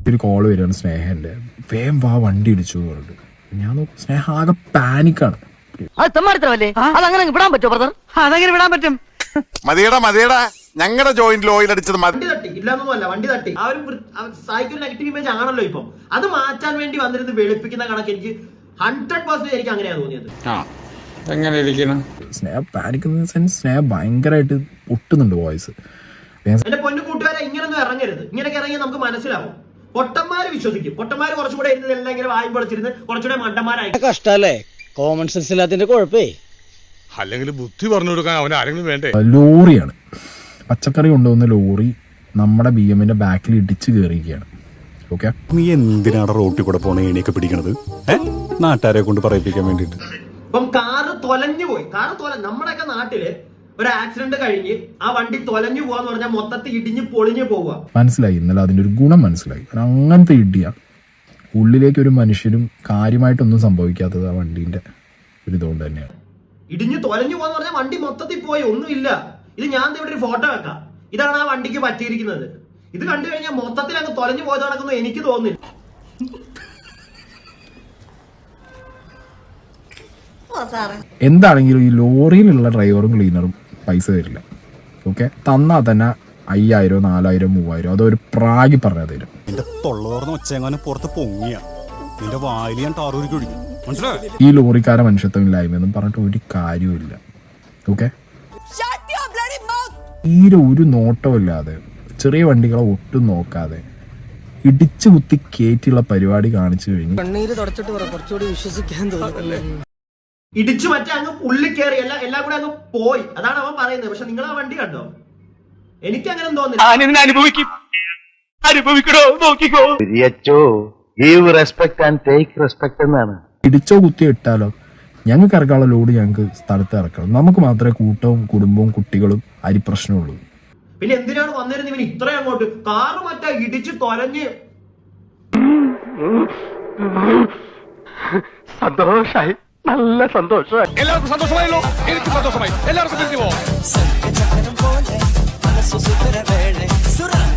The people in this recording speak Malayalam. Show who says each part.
Speaker 1: ഒരു കോള് വരികയാണ് സ്നേഹൻ്റെ, വേഗം വാ വണ്ടി ഇടിച്ചു പറഞ്ഞിട്ട്. ഞാൻ നോക്കും സ്നേഹ ആകെ പാനിക്കാണ്.
Speaker 2: അതങ്ങനെ വിടാൻ പറ്റുമോ ബ്രദർ? അതെങ്ങനെ വിടാൻ പറ്റും?
Speaker 3: മതിയടാ ഞങ്ങളുടെ ജോയിന്റിൽ ഓയിൽ അടിച്ചത്
Speaker 4: വണ്ടി തട്ടി ഇല്ലാന്നൊന്നുമല്ല, വണ്ടി തട്ടി. ആ ഒരു സൈക്കിൾ നെഗറ്റീവ് ഇമേജ് ആണല്ലോ ഇപ്പം. അത് മാറ്റാൻ വേണ്ടി വന്നിരുന്ന് വെളുപ്പിക്കുന്ന കണക്ക് എനിക്ക് 100% എനിക്ക് അങ്ങനെയാണ് തോന്നിയത്.
Speaker 1: സ്നേഹ പാനിക്കുന്ന സെൻസ്, സ്നേഹ ഭയങ്കരമായിട്ട് പൊട്ടുന്നുണ്ട് വോയിസ്.
Speaker 4: എന്റെ പൊന്നു കൂട്ടുകാരെ, ഇങ്ങനൊന്നും ഇറങ്ങരുത്. ഇങ്ങനെയൊക്കെ ഇറങ്ങി നമുക്ക് മനസ്സിലാവും. പൊട്ടന്മാര് വിശ്വസിക്കും. പൊട്ടന്മാര് കുറച്ചുകൂടെ ഇരുന്ന് എല്ലാം ഇങ്ങനെ വായും പൊളിച്ചിരുന്ന് കുറച്ചുകൂടെ മണ്ടന്മാരായി.
Speaker 2: കഷ്ടല്ലേ, കോമൺ സെൻസ് ഇല്ലാത്തതിന്റെ കുഴപ്പേ.
Speaker 5: അല്ലെങ്കിൽ ബുദ്ധി പറഞ്ഞു കൊടുക്കാൻ അവൻ ആരെങ്കിലും വേണ്ടേ?
Speaker 1: ലോറിയാണ്, പച്ചക്കറി കൊണ്ടുവന്ന ലോറി നമ്മുടെ BM-ന്റെ ബാക്കിൽ ഇടിച്ചു കയറിയിരിക്കുകയാണ്. ഓക്കെ,
Speaker 6: നീ എന്തിനാണ് റോട്ടിൽ കൂടെ പോണ ഏണിയൊക്കെ പിടിക്കണത്? നാട്ടുകാരെ കൊണ്ട് പറയിപ്പിക്കാൻ വേണ്ടിട്ട്.
Speaker 4: ഇപ്പം കാറ് തൊലഞ്ഞു പോയി. നമ്മുടെയൊക്കെ നാട്ടില് ഒരു ആക്സിഡന്റ് കഴിഞ്ഞ് ആ വണ്ടി തൊലഞ്ഞു പോവാന്ന് പറഞ്ഞാൽ മൊത്തത്തിൽ ഇടിഞ്ഞ് പൊളിഞ്ഞു പോവുക.
Speaker 1: മനസ്സിലായി, ഇന്നലെ അതിന്റെ ഒരു ഗുണം മനസ്സിലായി. അങ്ങനത്തെ ഇടിയ ഉള്ളിലേക്ക് ഒരു മനുഷ്യരും കാര്യമായിട്ടൊന്നും സംഭവിക്കാത്തത് ആ വണ്ടീന്റെ ഒരു ഇതുകൊണ്ട് തന്നെയാണ്.
Speaker 4: ഇടിഞ്ഞ് തൊലഞ്ഞു പോവാന്ന് പറഞ്ഞാൽ വണ്ടി മൊത്തത്തിൽ പോയി, ഒന്നുമില്ല. ഇത് ഞാൻ ഇവിടെ ഒരു ഫോട്ടോ വെക്കാം. ഇതാണ് ആ വണ്ടിക്ക് പറ്റിയിരിക്കുന്നത്. ഇത് കണ്ടു കഴിഞ്ഞാൽ മൊത്തത്തിൽ അങ്ങ് തൊലഞ്ഞു പോയത് നടക്കുന്നു എനിക്ക് തോന്നുന്നില്ല.
Speaker 1: എന്താണെങ്കിലും ഈ ലോറിയിലുള്ള ഡ്രൈവറും ക്ലീനറും പൈസ തരില്ല. ഓക്കെ, തന്നാൽ തന്നെ 5000, 4000, 3000 അതൊരു പ്രാഗി പറഞ്ഞാൽ തരും.
Speaker 6: നിന്റെ തൊള്ളോർന്ന് ഒച്ചെങ്ങാനും പുറത്ത് പൊങ്ങിയ നിന്റെ വായിൽ ഞാൻ ടാറൂരിക്ക് ഒഴിക്കും. മനസ്സിലായി?
Speaker 1: ഈ ലോറിക്കാരെ മനുഷ്യത്വമില്ലായ്മയൊന്നും പറഞ്ഞിട്ട് ഒരു കാര്യവുമില്ല. ഓക്കെ, തീരെ ഒരു നോട്ടമില്ലാതെ ചെറിയ വണ്ടികളെ ഒട്ടും നോക്കാതെ ഇടിച്ചു കുത്തി കയറ്റിയുള്ള പരിപാടി കാണിച്ചു കഴിഞ്ഞു.
Speaker 4: ഇടിച്ചു മറ്റേ അങ്ങ് ഉള്ളിൽ കയറി എല്ലാം കൂടെ അങ്ങ് പോയി. അതാണ് അവൻ പറയുന്നത്. പക്ഷെ നിങ്ങൾ ആ വണ്ടി കണ്ടോ? എനിക്ക് അങ്ങനെ തോന്നുന്നില്ല.
Speaker 1: ഇടിച്ചോ കുത്തിയോ ഇട്ടാലോ ഞങ്ങൾക്ക് ഇറക്കാനുള്ള ലോഡ് ഞങ്ങൾക്ക് സ്ഥലത്ത് ഇറക്കണം. നമുക്ക് മാത്രമേ കൂട്ടവും കുടുംബവും കുട്ടികളും അരിപ്രശ്നമുള്ളൂ.
Speaker 4: പിന്നെ എന്തിനാണ് വന്നിരുന്നത് ഇവൻ ഇത്രയും അങ്ങോട്ട്? കാറ് മറ്റേ ഇടിച്ച് തൊലഞ്ഞ്.
Speaker 5: സന്തോഷായി, നല്ല സന്തോഷമായി. എല്ലാവർക്കും സന്തോഷമായല്ലോ? എനിക്ക് സന്തോഷമായി. എല്ലാവർക്കും